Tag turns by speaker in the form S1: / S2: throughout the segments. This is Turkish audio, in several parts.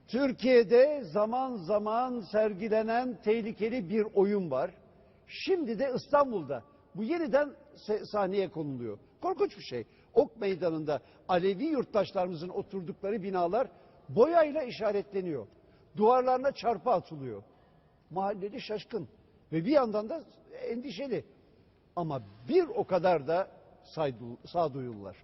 S1: Türkiye'de zaman zaman sergilenen tehlikeli bir oyun var. Şimdi de İstanbul'da bu yeniden sahneye konuluyor. Korkunç bir şey. Ok Meydanı'nda Alevi yurttaşlarımızın oturdukları binalar boyayla işaretleniyor. Duvarlarına çarpı atılıyor. Mahalleli şaşkın ve bir yandan da endişeli. Ama bir o kadar da sağduyulular.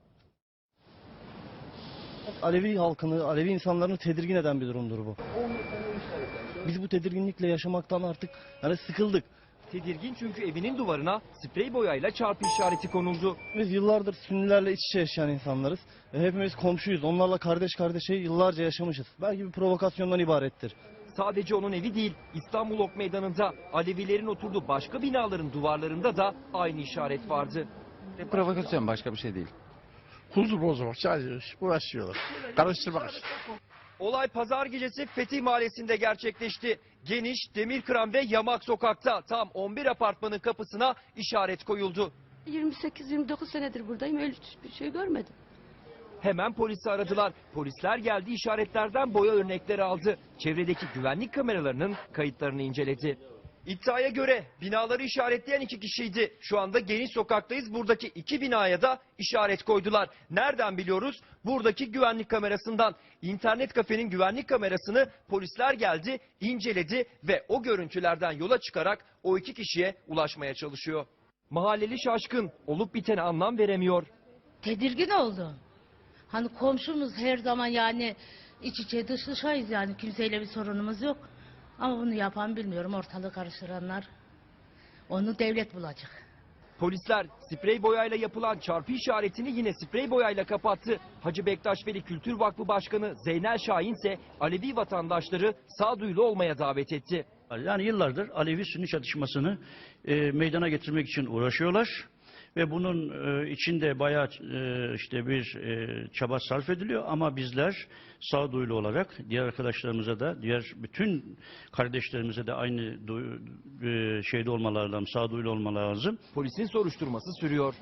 S2: Alevi halkını, Alevi insanlarını tedirgin eden bir durumdur bu. Biz bu tedirginlikle yaşamaktan artık sıkıldık.
S3: Tedirgin çünkü evinin duvarına sprey boyayla çarpı işareti konuldu.
S2: Biz yıllardır Sünnilerle iç içe yaşayan insanlarız. Hepimiz komşuyuz. Onlarla kardeş kardeşe yıllarca yaşamışız. Belki bir provokasyondan ibarettir.
S3: Sadece onun evi değil, İstanbul Ok Meydanı'nda Alevilerin oturduğu başka binaların duvarlarında da aynı işaret vardı.
S4: Provokasyon, başka bir şey değil.
S5: Huzur bozmak, sadece uğraşıyorlar. Karıştırmak için.
S3: Olay pazar gecesi Fetih Mahallesi'nde gerçekleşti. Geniş, Demirkıran ve Yamak sokakta tam 11 apartmanın kapısına işaret koyuldu.
S6: 28-29 senedir buradayım, öyle bir şey görmedim.
S3: Hemen polisi aradılar. Polisler geldi, işaretlerden boya örnekleri aldı. Çevredeki güvenlik kameralarının kayıtlarını inceledi. İddiaya göre binaları işaretleyen 2 kişiydi. Şu anda Geniş Sokak'tayız. Buradaki 2 binaya da işaret koydular. Nereden biliyoruz? Buradaki güvenlik kamerasından. İnternet kafenin güvenlik kamerasını polisler geldi, inceledi ve o görüntülerden yola çıkarak o 2 kişiye ulaşmaya çalışıyor. Mahalleli şaşkın, olup bitene anlam veremiyor.
S7: Tedirgin oldu. Hani komşumuz her zaman iç içe dış dışayız, kimseyle bir sorunumuz yok. Ama bunu yapan bilmiyorum, ortalığı karıştıranlar. Onu devlet bulacak.
S3: Polisler sprey boyayla yapılan çarpı işaretini yine sprey boyayla kapattı. Hacı Bektaş Veli Kültür Vakfı Başkanı Zeynel Şahin ise Alevi vatandaşları sağduyulu olmaya davet etti.
S8: Yani yıllardır Alevi-Sünni çatışmasını meydana getirmek için uğraşıyorlar. Ve bunun içinde bayağı bir çaba sarf ediliyor ama bizler sağduyulu olarak diğer arkadaşlarımıza da, diğer bütün kardeşlerimize de aynı şeyde olmaları lazım, sağduyulu olmaları lazım.
S3: Polisin soruşturması sürüyor.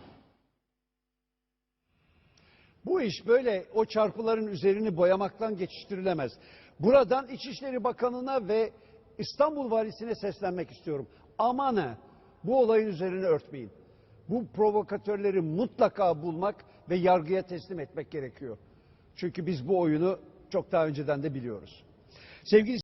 S1: Bu iş böyle o çarpıların üzerini boyamaktan geçiştirilemez. Buradan İçişleri Bakanı'na ve İstanbul Valisi'ne seslenmek istiyorum. Aman bu olayın üzerine örtmeyin. Bu provokatörleri mutlaka bulmak ve yargıya teslim etmek gerekiyor. Çünkü biz bu oyunu çok daha önceden de biliyoruz. Sevgili